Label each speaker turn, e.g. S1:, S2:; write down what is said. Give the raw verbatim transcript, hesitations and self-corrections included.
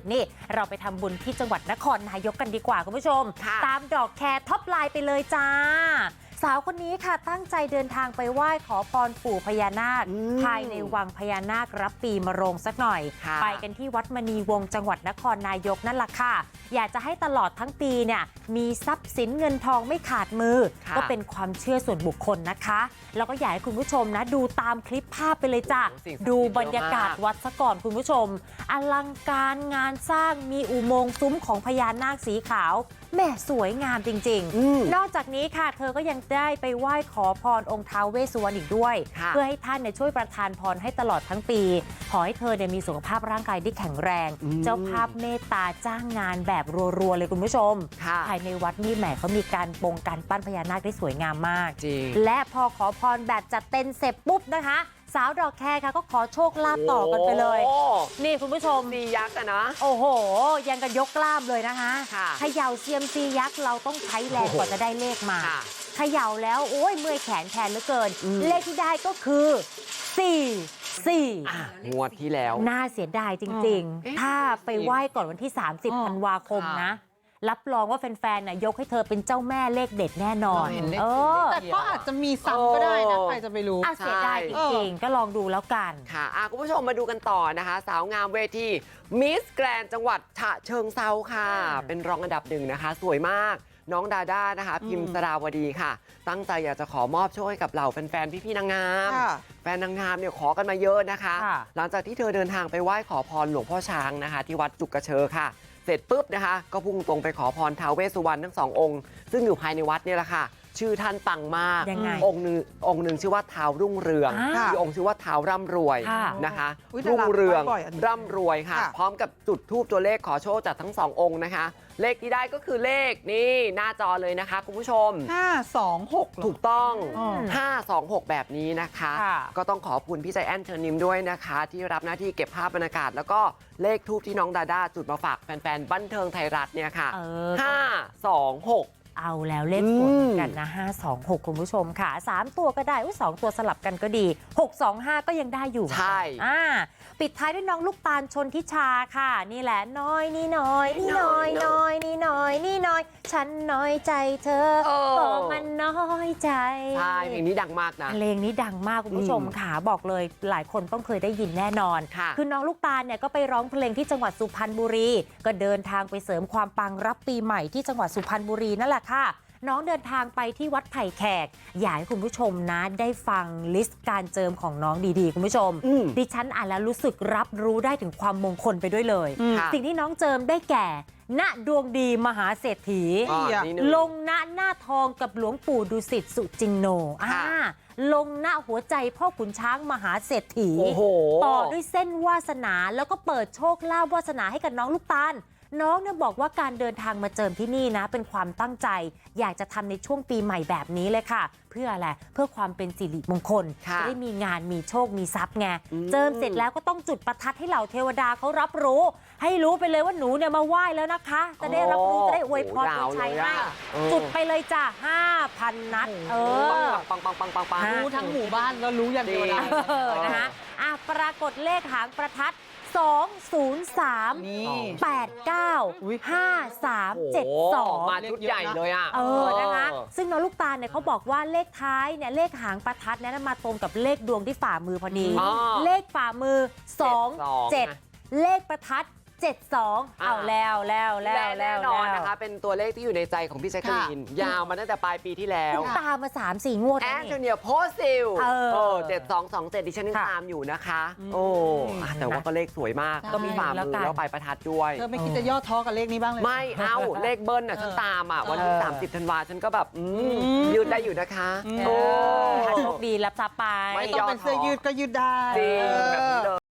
S1: นี่เราไปทำบุญที่จังหวัดนครนายกกันดีกว่าคุณผู้ชมตามดอกแคร์ท็อปไลน์ไปเลยจ้าสาวคนนี้ค่ะตั้งใจเดินทางไปไหว้ขอพรปู่พญานาคภายในวังพญานาครับปีมะโรงสักหน่อยไปกันที่วัดมณีวงศ์จังหวัดนครนายกนั่นแหละค่ะอยากจะให้ตลอดทั้งปีเนี่ยมีทรัพย์สินเงินทองไม่ขาดมือก็เป็นความเชื่อส่วนบุคคลนะคะแล้วก็อยากให้คุณผู้ชมนะดูตามคลิปภาพไปเลยจ้ะดูบรรยากาศวัดซะก่อนคุณผู้ชมอลังการงานสร้างมีอุโมงค์ซุ้มของพญานาคสีขาวแม่สวยงามจริงๆนอกจากนี้ค่ะเธอก็ยังได้ไปไหว้ขอพรองค์ท้าวเวสสุวรรณอีกด้วยเพื่อให้ท่านเนี่ยช่วยประทานพรให้ตลอดทั้งปีขอให้เธอเนี่ยมีสุขภาพร่างกายที่แข็งแรงเจ้าภาพเมตตาจ้างงานแบบรัวๆเลยคุณผู้ชมภายในวัดนี่แหมเขามีการปงการปั้นพญานาคได้สวยงามมากและพอขอพรแบบจัดเต็มเสร็จปุ๊บนะคะสาวดอกแคร์ค่ะก็ขอโชคลาภต่อกันไปเลยนี่คุณผู้ชม
S2: ซียักษ์อะนะ
S1: โอ้โหยังกันยกกล้ามเลยนะคะเขย่าเซียมซียักษ์เราต้องใช้แรงกว่าจะได้เลขมาเขย่าแล้วโอ้ยเมื่อยแขนแทนเหลือเกินเลขที่ได้ก็คือสี่สี่
S2: งวดที่แล้ว
S1: น่าเสียดายจริงๆถ้าไปไหว้ก่อนวันที่สามสิบธันวาคมนะรับรองว่าแฟนๆน่ะยกให้เธอเป็นเจ้าแม่เลขเด็ดแน่นอน
S3: เออแต่ก็อาจจะมีซ้ำก็ได้นะใครจะไปรู้
S1: เสียดายจริงๆก็ลองดูแล้วกัน
S2: ค่ะคุณผู้ชมมาดูกันต่อนะคะสาวงามเวทีมิสแกรนจังหวัดฉะเชิงเทราค่ะเป็นรองอันดับหนึ่งนะคะสวยมากน้องดาด้านะคะพิมพ์สราวดีค่ะตั้งใจอยากจะขอมอบโชคให้กับเหล่าแฟนๆพี่ๆนางงามแฟนนางงามเนี่ยขอกันมาเยอะนะคะหลังจากที่เธอเดินทางไปไหว้ขอพรหลวงพ่อช้างนะคะที่วัดจุกกระเชอค่ะเสร็จปุ๊บนะคะก็พุ่งตรงไปขอพรท้าวเวสสุวรรณทั้งสององค์ซึ่งอยู่ภายในวัดนี่แหละค่ะชื่อท่านปังมากองค์หนึ่งองค์หนึ่งชื่อว่าท้าวรุ่งเรืองอีกองค์ชื่อว่าท้าวร่ำรวยนะคะรุ่งเรืองร่ำรวยค่ะพร้อมกับจุดธูปตัวเลขขอโชคจากทั้งสององค์นะคะเลขที่ได้ก็คือเลขนี่หน้าจอเลยนะคะคุณผู้ชม
S3: ห้า สอง หก
S2: ถูกต้องห้า สอง หกแบบนี้นะคะก็ต้องขอบคุณพี่ใจแอนเชิญนิมด้วยนะคะที่รับหน้าที่เก็บภาพบรรยากาศแล้วก็เลขทูปที่น้องดาด้าจุดมาฝากแฟนๆบันเทิงไทยรัฐเนี่ยค่ะห้า สอง หก
S1: เอาแล้วเลขสวยเหมือนกันนะห้า สอง หกคุณผู้ชมค่ะสามตัวก็ได้อุ้ยสองตัวสลับกันก็ดีหก สอง ห้าก็ยังได้อยู่
S2: ใช่
S1: อ่าปิดท้ายด้วยน้องลูกตาลชนทิชาค่ะนี่แหละน้อยนี่น้อยนี่น้อยน้อยนี่น้อยนี่น้อยฉันน้อยใจเธอก็มันน้อยใจ
S2: ใช่เพลงนี้ดังมากนะ
S1: เพลงนี้ดังมากคุณผู้ชมค่ะบอกเลยหลายคนต้องเคยได้ยินแน่นอนคือน้องลูกตาลเนี่ยก็ไปร้องเพลงที่จังหวัดสุพรรณบุรีก็เดินทางไปเสริมความปังรับปีใหม่ที่จังหวัดสุพรรณบุรีนั่นแหละค่ะน้องเดินทางไปที่วัดไผ่แขกอยากให้คุณผู้ชมนะได้ฟังลิสต์การเจิมของน้องดีๆคุณผู้ชมดิฉันอ่านแล้วรู้สึกรับรู้ได้ถึงความมงคลไปด้วยเลยสิ่งที่น้องเจิมได้แก่ณดวงดีมหาเศรษฐีลงณหน้าทองกับหลวงปู่ดุสิตสุจินโนอ่าลงหน้าหัวใจพ่อขุนช้างมหาเศรษฐีต่อด้วยเส้นวาสนาแล้วก็เปิดโชคลาภวาสนาให้กับน้องลูกตาลน้องเนี่ยบอกว่าการเดินทางมาเจิมที่นี่นะเป็นความตั้งใจอยากจะทำในช่วงปีใหม่แบบนี้เลยค่ะเพื่ออะไรเพื่อความเป็นสิริมงคลจะได้มีงานมีโชคมีทรัพย์ไงเจิมเสร็จแล้วก็ต้องจุดประทัดให้เหล่าเทวดาเขารับรู้ให้รู้ไปเลยว่าหนูเนี่ยมาไหว้แล้วนะคะจะได้รับรู้จะได้อวยพรอวยชัยให้จุดไปเลยจ้ะห้าพันนัดเออ
S2: ปังปังปังปังปัง
S3: รู้ทั้งหมู่บ้านแล้วรู้อย่างเดียว
S1: นะคะอ่ะปรากฏเลขหางประทัดสอง ศูนย์ สาม แปด เก้า ห้า สาม เจ็ด สอง
S2: มาชุดใหญ่เลยอ่ะ
S1: เออนะคะซึ่งน้องลูกตาลเนี่ยเขาบอกว่าเลขท้ายเนี่ยเลขหางประทัดเนี่ยมาตรงกับเลขดวงที่ฝ่ามือพอดีเลขฝ่ามือสอง เจ็ดเลขประทัดเจ็ด สองเอาแล้วแล้วแล้ว
S2: แน่นอนนะคะเป็นตัวเลขที่อยู่ในใจของพี่แจ๊กกะลีนยาวมาตั้งแต่ปลายปีที่แล้ว
S1: ตามมา สาม สี่ งวด
S2: แอนโทเนียโพซิลเออเจ็ด สอง สอง เจ็ดดิฉันยังตามอยู่นะคะโอ้แต่ว่าก็เลขสวยมากก็มีฝ่ามือแล้วปลายประทัดด้วย
S3: เธอไม่คิดจะย่อท้อกับเลขนี้บ้างเลย
S2: ไม่เอาเลขเบิ้ลน่ะฉันตามอ่ะวันที่สามสิบธันวาฉันก็แบบยืดได้อยู่นะคะ
S1: โอ้โชคดีรับทรัพย์ไป
S3: ไม่ต้องเป็นเสื้อยืดก็ยืดได้
S2: จริงแบบนี้เลย